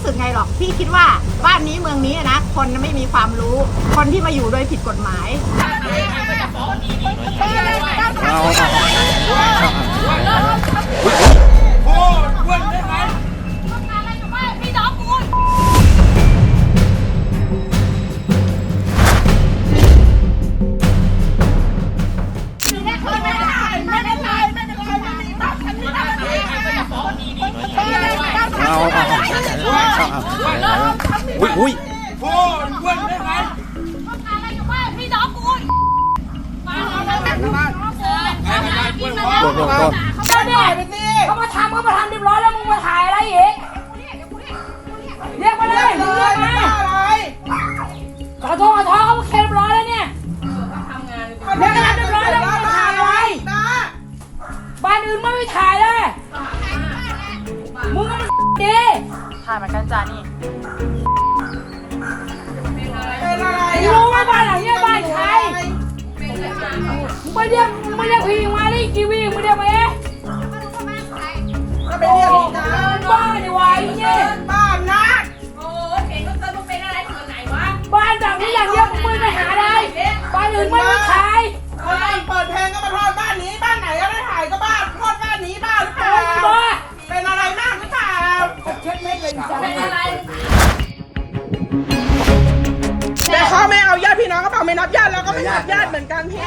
สึกไงหรอกพี่คิดว่าบ้านนี้เมืองนี้นะคนไม่มีความรู้คนที่มาอยู่โดยผิดกฎหมายอุ้ยโอ้ยอ้วนได้ไหมอะไรอยู่บ้านพี่น้องกูมาแล้วไปบ้านกินมาแล้วก็เนี่ยเขามาทำเรียบร้อยแล้วมึงมาถ่ายอะไรอีกเรียกมาเลยมึงเรียกมาขอโทษเขาเคลียร์เรียบร้อยแล้วเนี่ยเรียกกันเรียบร้อยแล้วมึงมาถ่ายอะไรบ้านอื่นไม่ถ่ายเลยมึงก็มันดีถ่ายเหมือนกันจ้านี่รู้ไหมบ้านหลังนี้บ้านใครมึงไม่เรียกพี่มาดิกีวีมึงเรียกมาเองก็ไปเรียกพี่นะบ้านดีวะไอ้เนี่ยบ้านนะโอ้เห็นว่าเธอมึงเป็นอะไรถึงไหนวะบ้านหลังนี้อย่างเดียวมึงไม่ไปหาอะไรบ้านอื่นไม่ถ่ายเปิดเพลงก็มาทอดบ้านนี้บ้านไหนก็ไม่ถ่ายก็บ้านทอดบ้านนี้บ้านหรือเปล่าเป็นอะไรมากหรือเปล่าเช็ดไม่เป็นใจเป็นอะไรแต่เขาไม่เอาญาติพี่น้องก็เปล่าไม่นับญาติแล้วก็ไม่นับญาติเหมือนกันพี่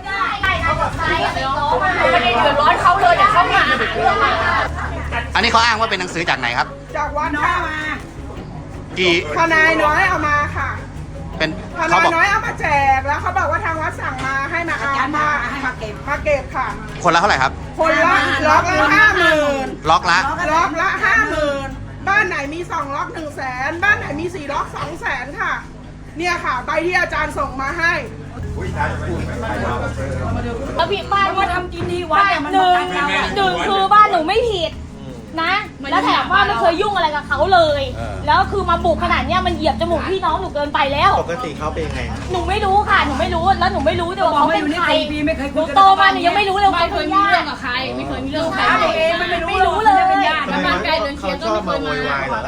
ไม่ได้เดือดร้อนเขาเลยเดี๋ยวเขามาหาเรื่องมาอันนี้เขาอ้างว่าเป็นหนังสือจากไหนครับจากวัดข้ามากี่ทนายน้อยเอามาค่ะเป็นทเขานายบอกน้อยเอามาแจกแล้วเขาบอกว่าทางวัดสั่งมาให้มาเอามาเก็บค่ะคนละเท่าไหร่ครับคนละล็อกละ50,000 ล็อกละล็อกละ50,000บ้านไหนมี2ล็อก100,000บ้านไหนมี4ล็อก200,000ค่ะเนี่ยค่ะใบที่อาจารย์ส่งมาให้แล้วพี่บ้านมาทำกินที่วัดมันหนึ่งคือบ้านหนูไม่ผิดนะแล้วแถมว่าไม่เคยยุ่งอะไรกับเขาเลย แล้วคือมาบุกขนาดเนี้ยมันเหยียบจมูกพี่น้องหนูเกินไปแล้วปกติเขาเป็นยังไงหนูไม่รู้ค่ะหนูไม่รู้แล้วหนูไม่รู้ด้วยว่าเขาเป็นใครไม่เคยหนูโตมาหนูยังไม่รู้เลยว่าเขาเป็นญาติไม่เคยมีเรื่องกับใครไม่รู้เลยแล้วบ้านใกล้เดินเคียงก็ไม่เคยมา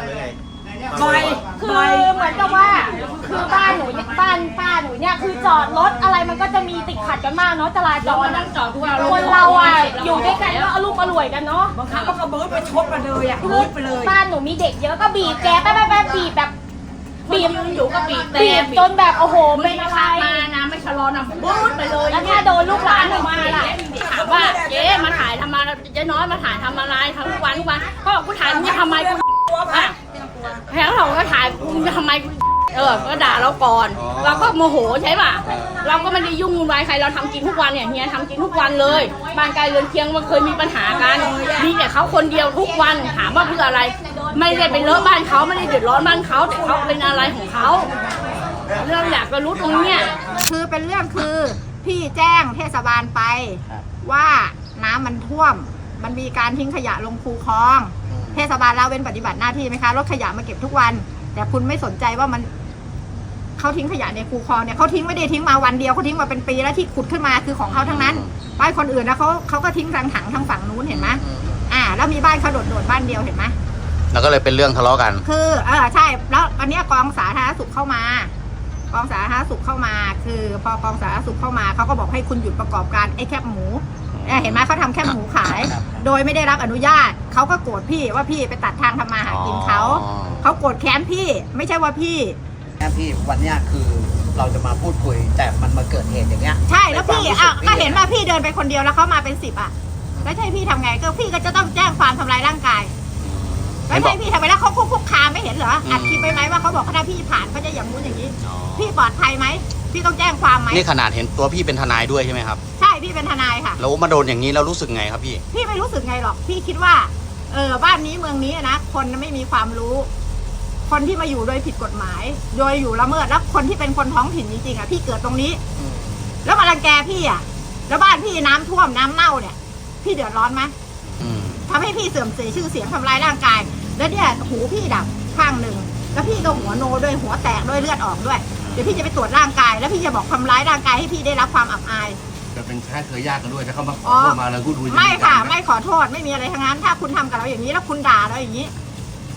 คือเหมือนกับว่าคือบ้านหนูบ้านป้าหนูเนี่ยคือจอดรถอะไรมันก็จะมีติดขัดกันมากเนาะจราจรนั่งจอดทุกวันคนเราอ่ะอยู่ด้วยกันก็เอาลูกมารวยกันเนาะบางครั้งก็เบิร์ดไปชดมาเลยอ่ะคือเบิร์ดไปเลยบ้านหนูมีเด็กเยอะก็บีบแกแป๊บบีบแบบบีบอยู่ก็บีบแต่บีบจนแบบโอ้โหเป็นอะไรมานะไม่ชะลอนะบู๊ดไปเลยแล้วถ้าโดนลูกหลานหนูมาล่ะถามว่าเจ๊มาถ่ายทำมาเจ๊น้อยมาถ่ายทำอะไรทั้งวันเขาบอกกูถ่ายมึงจะทำไมกูอ่ะแล้วเราก็ถ่ายมึงจะทำไมก็ด่าเราก่อนเราก็โมโหใช่ป่ะเราก็ไม่ได้ยุ่งวุ่นวายใครเราทำกินทุกวันเนี่ยเฮียทำกินทุกวันเลยบ้านไกลเรือนเคียงมันเคยมีปัญหากันมีแต่เขาคนเดียวทุกวันถามว่าเพื่ออะไรไม่ได้ไปเลอะบ้านเขาไม่ได้เดือดร้อนบ้านเขาแต่เขาเป็นอะไรของเขาเราอยากจะรู้ตรงเนี้ยคือเป็นเรื่องคือพี่แจ้งเทศบาลไปว่าน้ำมันท่วมมันมีการทิ้งขยะลงคูคลองเทศบาลละเว้นปฏิบัติหน้าที่ไหมคะรถขยะมาเก็บทุกวันแต่คุณไม่สนใจว่ามันเขาทิ้งขยะในคูคลองเนี่ยเขาทิ้งไม่ได้ทิ้งมาวันเดียวเขาทิ้งมาเป็นปีแล้วที่ขุดขึ้นมาคือของเขาทั้งนั้นบ้านคนอื่นนะเขาก็ทิ้งรังถังทางฝั่งนู้นเห็นไหมแล้วมีบ้านเขาโดดบ้านเดียวเห็นไหมแล้วก็เลยเป็นเรื่องทะเลาะกันคือใช่แล้ววันนี้กองสาธารณสุขเข้ามากองสาธารณสุขเข้ามาคือพอกองสาธารณสุขเข้ามาเขาก็บอกให้คุณหยุดประกอบการไอ้แคบหมูเห็นไหมเขาทำแคบหมูขายโดยไม่ได้รับอนุญาตเขาก็โกรธพี่ว่าพี่ไปตัดทางทำมาหากินเขาโกรธแค้นพี่ไม่ใช่ว่าพี่วันนี้คือเราจะมาพูดคุยแต่มันมาเกิดเหตุอย่างเงี้ยใช่แล้วพี่ก็เห็นว่าพี่เดินไปคนเดียวแล้วเขามาเป็น10แล้วใช่พี่ทำไงก็พี่ก็จะต้องแจ้งความทำลายร่างกายแล้วใช่พี่ทำไมแล้วเขาคุกคามไม่เห็นเหรออัดคลิปไปไหมว่าเขาบอกถ้าพี่ผ่านเขาจะอย่างนู้นอย่างนี้พี่ปลอดภัยไหมพี่ต้องแจ้งความไหมนี่ขนาดเห็นตัวพี่เป็นทนายด้วยใช่ไหมครับใช่พี่เป็นทนายค่ะแล้วมาโดนอย่างนี้เรารู้สึกไงครับพี่ไม่รู้สึกไงหรอกพี่คิดว่าบ้านนี้เมืองนี้นะคนไม่มีความรู้คนที่มาอยู่โดยผิดกฎหมายโดยอยู่ละเมิดแล้วคนที่เป็นคนท้องถิ่นจริงๆพี่เกิดตรงนี้แล้วมารังแกพี่แล้วบ้านพี่น้ำท่วมน้ำเน่าเนี่ยพี่เดือดร้อนไหมทำให้พี่เสื่อมเสียชื่อเสียงทำลายร่างกายแล้วเนี่ยหูพี่ดับข้างหนึ่งแล้วพี่ก็หัวโนด้วยหัวแตกด้วยเลือดออกด้วยเดี๋ยวพี่จะไปตรวจร่างกายแล้วพี่จะบอกทำร้ายร่างกายให้พี่ได้รับความอับอายจะเป็นแค่เคยยากกันด้วยถ้าเขามาขอโทษมาแล้วพูดคุยไม่ค่ะไม่ขอโทษไม่มีอะไรทั้งนั้นถ้าคุณทำกับเราอย่างนี้แล้วคุณด่าเราอย่างนี้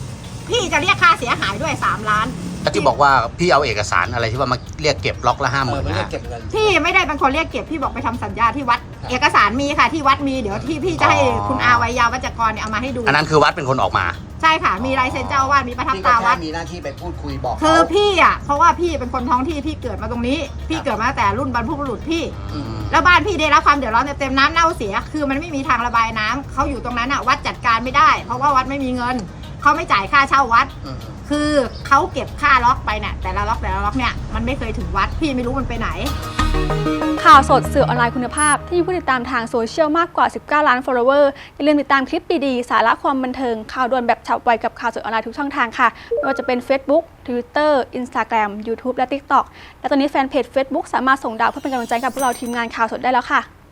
พี่จะเรียกค่าเสียหายด้วย3 ล้านแล้วที่บอกว่าพี่เอาเอกสารอะไรที่ว่ามาเรียกเก็บล็อกละเออ 50,000 ไม่ได้นะเก็บเงินพี่ไม่ได้เป็นคนเรียกเก็บพี่บอกไปทำสัญญาที่วัด เอกสารมีค่ะที่วัดมีเดี๋ยวที่พี่จะให้คุณอาวัยยาวัจกรเนี่ยเอามาให้ดูอันนั้นคือวัดเป็นคนออกมาใช่ค่ะ มีลายเซ็นเจ้าอาวาสมีประทับพี่ตาก็วัแค่ดมีหน้าที่ไปพูดคุยบอกคือเขาพี่อ่ะเพราะว่าพี่เป็นคนท้องที่พี่เกิดมาตรงนี้ พี่เกิดมาตั้งแต่รุ่นบรรพบุรุษพี่อืมแล้วบ้านพี่ได้รับความเดือดร้อนเต็มๆน้ำเน่าเสีย คือมันไม่มีทางระบายน้ำเขาอยู่ตรงนั้นอ่ะวัดจัดการไม่ได้ เพราะว่าวัดไม่มีเงินเขาไม่จ่ายค่าเช่าวัดอืมคือเขาเก็บค่าล็อกไปเนี่ยแต่ละล็อกเนี่ยมันไม่เคยถึงวัดพี่ไม่รู้มันไปไหนข่าวสดสื่อออนไลน์คุณภาพที่มีผู้ติดตามทางโซเชียลมากกว่า 19 ล้าน follower อย่าลืมติดตามคลิปดีๆ สาระความบันเทิง ข่าวด่วนแบบฉับไวกับข่าวสดออนไลน์ทุกช่องทางค่ะ ไม่ว่าจะเป็น Facebook Twitter Instagram YouTube และ TikTok และตอนนี้แฟนเพจ Facebook สามารถส่งดาวเพื่อเป็นกำลังใจกับพวกเราทีมงานข่าวสดได้แล้วค่ะ